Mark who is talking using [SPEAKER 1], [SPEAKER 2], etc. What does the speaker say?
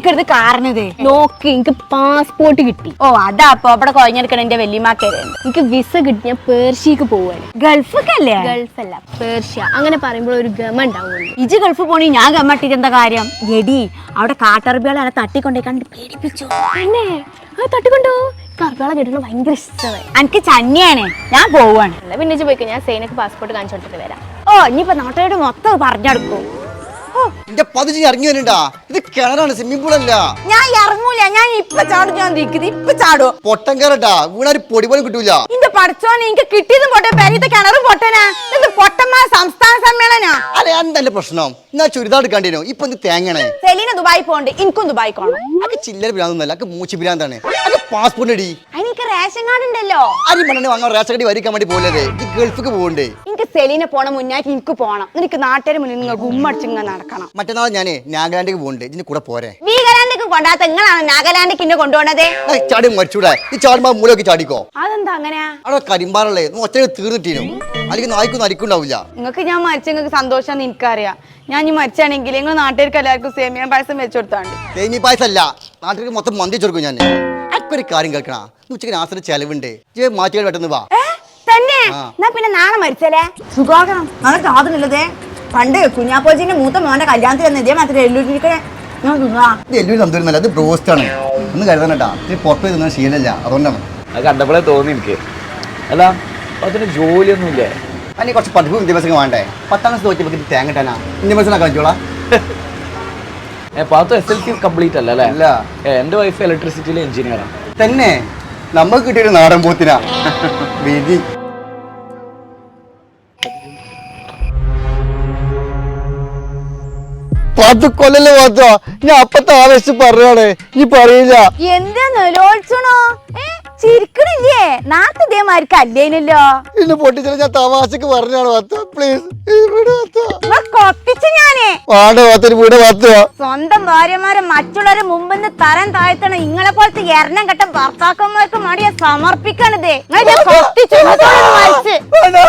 [SPEAKER 1] എന്തൊക്കെ കാരണത്
[SPEAKER 2] നോക്ക് എനിക്ക് പാസ്പോർട്ട് കിട്ടി.
[SPEAKER 1] ഓ അതാ അപ്പൊ അവിടെ കൊഴഞ്ഞെടുക്കണ എന്റെ വല്യമാക്കരുത്.
[SPEAKER 2] എനിക്ക് വിസ കിട്ടി. ഞാൻ പേർഷ്യക്ക് പോവാണ്.
[SPEAKER 1] ഗൾഫല്ലേ?
[SPEAKER 2] ഗൾഫല്ല, പേർഷ്യ. അങ്ങനെ പറയുമ്പോൾ ഒരു ഗമ ഉണ്ടാവുള്ളൂ.
[SPEAKER 1] ഇജ് ഗൾഫ് പോണി ഞാൻ ഗമ്മട്ടിട്ട് എന്താ കാര്യം? എടി അവിടെ കാട്ടറബികളെ അല്ല തട്ടിക്കൊണ്ടേ കണ്ട് പേടിപ്പിച്ചു.
[SPEAKER 2] പിന്നെ അത് തട്ടിക്കൊണ്ടോ? കർബാള കേട്ടിട്ട് ഭയങ്കര ഇഷ്ടമായി.
[SPEAKER 1] എനിക്ക് ചന്നിയാണ്, ഞാൻ പോവാണ്.
[SPEAKER 2] അല്ല പിന്നെ പോയിക്കോ, ഞാൻ സൈനക്ക് പാസ്പോർട്ട് കാണിച്ചു കൊടുത്തിട്ട് വരാം.
[SPEAKER 1] ഓ ഇനിയിപ്പോ നാട്ടുകാരോട് മൊത്തം പറഞ്ഞെടുക്കും.
[SPEAKER 3] എന്റെ പതിച്ച് ഇറങ്ങി വരണ്ടാ, ഇത് കിണറാണ്, സ്വിമ്മിംഗ് പൂൾ അല്ല.
[SPEAKER 1] ഞാൻ ഇറങ്ങൂല, ഞാൻ ഇപ്പൊ ചാടും. ഞാൻ നിൽക്കുന്നത് ഇപ്പൊ ചാടുവോ?
[SPEAKER 3] പൊട്ടൻ കയറട്ടാ, വീണാര് പൊടി പോലും കിട്ടൂല.
[SPEAKER 1] ഇന്റെ പഠിച്ചോനെ എനിക്ക് കിട്ടിയതും പൊട്ടെ, പെരീത്തെ കിണറും പൊട്ടനാ. ഇത് പൊട്ടന്മാർ സംസ്ഥാന സമ്മേളനാ.
[SPEAKER 3] അല്ലെ എന്തല്ല പ്രശ്നം? എന്നാ ചുരിദാർ എടുക്കാണ്ടിനോ? ഇപ്പൊ എന്ത് തേങ്ങണേ?
[SPEAKER 1] സെലീന ദുബായി പോണ്ട്, എനിക്കും ദുബായി പോണം.
[SPEAKER 3] അതൊക്കെ ചില്ലറ ഭ്രാന്തൊന്നല്ല, അതൊക്കെ മൂച്ചി ഭ്രാന്താണ്. അത് പാസ്പോർട്ട് അടി.
[SPEAKER 1] എനിക്ക് റേഷൻ കാർഡ് ഉണ്ടല്ലോ.
[SPEAKER 3] അരി മണ്ണ വാങ്ങാൻ റേഷൻ കടി വരിക്കാൻ വേണ്ടി പോലെ ഗൾഫിക്ക് പോകണ്ടേ?
[SPEAKER 1] എനിക്ക് സെലീന പോണ മുന്നായിട്ട് എനിക്ക് പോണം. എനിക്ക് നാട്ടുകാർ മുന്നിൽ നിങ്ങൾ ഗുമ്മടിച്ചിങ്ങ നടക്കണം.
[SPEAKER 3] മറ്റന്നാൾ ഞാനേ നാഗാലാൻഡിലേക്ക് പോകണ്ടേ, ഇതിന് കൂടെ പോരെ?
[SPEAKER 1] വീഗലാൻഡിക്ക് കൊണ്ടാത്ത നിങ്ങളാണ് നാഗാലാൻഡിക്ക് എന്നെ കൊണ്ടുപോണത്.
[SPEAKER 3] ചാടി മരിച്ചൂടെ? ഈ ചാടുമ്പോ മൂലൊക്കെ ചാടിക്കോ.
[SPEAKER 1] അതെന്താ അങ്ങനെയാ?
[SPEAKER 3] അവിടെ കരിമ്പാറല്ലേ ഒറ്റ തീർന്നിട്ടീനോ, അല്ലെങ്കിൽ നായ്ക്കൊന്നും അരിക്കുണ്ടാവില്ല.
[SPEAKER 1] നിങ്ങൾക്ക് ഞാൻ മരിച്ച നിങ്ങൾക്ക് സന്തോഷം എനിക്കറിയാം. ഞാൻ ഈ മരിച്ചാണെങ്കിൽ നിങ്ങൾ നാട്ടുകാർക്ക് എല്ലാവർക്കും സേമിയ പായസം വെച്ചു കൊടുത്താണ്ട്.
[SPEAKER 3] സേമി പായസല്ല, നാട്ടിലേക്ക് മൊത്തം മന്തി കൊടുക്കും ഞാൻ. അക്കൊരു കാര്യം കേൾക്കണ, ഉച്ചക്ക് നാസിന് ചെലവുണ്ട്, മാറ്റികൾ പെട്ടെന്ന് വാ.
[SPEAKER 1] തന്നെ എന്നാ പിന്നെ നാളെ മരിച്ചല്ലേ? സുഖാകണം നാളെ സാധനമില്ലതേ. പണ്ട് കുഞ്ഞാപ്പോജിന്റെ മൂത്ത മോന്റെ കല്യാണത്തിൽ തന്നെ ഇതേ മാത്രമേ എല്ലൂരിക്കണേ.
[SPEAKER 3] ഇത് എല്ലൊരു തന്തൂരുന്നല്ല, അത് ബ്രോസ്റ്റ് ആണ്. ഒന്ന് കരുതണട്ടാ, ഇത് പുറത്ത് പോയി തിന്നാൻ ശീലമില്ല, അതുകൊണ്ടാണ്.
[SPEAKER 4] അത് കണ്ടപ്പോഴേ തോന്നി എനിക്ക്. അല്ല അതിന് ജോലിയൊന്നുമില്ലേ?
[SPEAKER 3] അതിന് കുറച്ച് പഠിപ്പും വിദ്യാഭ്യാസം വേണ്ടേ? 10ാം ക്ലാസ് തോറ്റപ്പോൾ തേങ്ങ കിട്ടാനാ വിദ്യാഭ്യാസം കളിച്ചോളാം.
[SPEAKER 4] പാത്തു SLC കംപ്ലീറ്റ് അല്ല അല്ലേ?
[SPEAKER 3] അല്ല,
[SPEAKER 4] എൻ്റെ വൈഫ് ഇലക്ട്രിസിറ്റിയിലെ എഞ്ചിനീയറാണ്.
[SPEAKER 3] തന്നെ നമുക്ക് കിട്ടിയൊരു നാടൻ പോത്തിനാ വിധി. പത്ത് കൊല്ലല്ലേ പാത്തോ, ഞാൻ അപ്പത്തെ ആവേശിച്ച് പറഞ്ഞാണ്, നീ പറയില്ല.
[SPEAKER 1] എന്താ നിലോത്സണോ? ചിരിക്കണില്ലേ? നാട്ടു ഇതേമാർക്ക് അല്ലേനല്ലോ.
[SPEAKER 3] ഇന്ന് പൊട്ടിച്ചാൽ ഞാൻ തമാശക്ക് പറഞ്ഞാണ് പാത്തോ, പ്ലീസ്
[SPEAKER 1] കൊട്ടിച്ചു ഞാനേ.
[SPEAKER 3] വാണ്ട പാത്തൊരു വീട് പാത്തോ.
[SPEAKER 1] സ്വന്തം ഭാര്യമാരെ മറ്റുള്ളവരെ മുമ്പിന്ന് തരം താഴ്ത്തണം. ഇങ്ങളെ പോലത്തെ എണ്ണം കെട്ട ഭർത്താക്കന്മാർക്ക് മടിയെ സമർപ്പിക്കണതേ.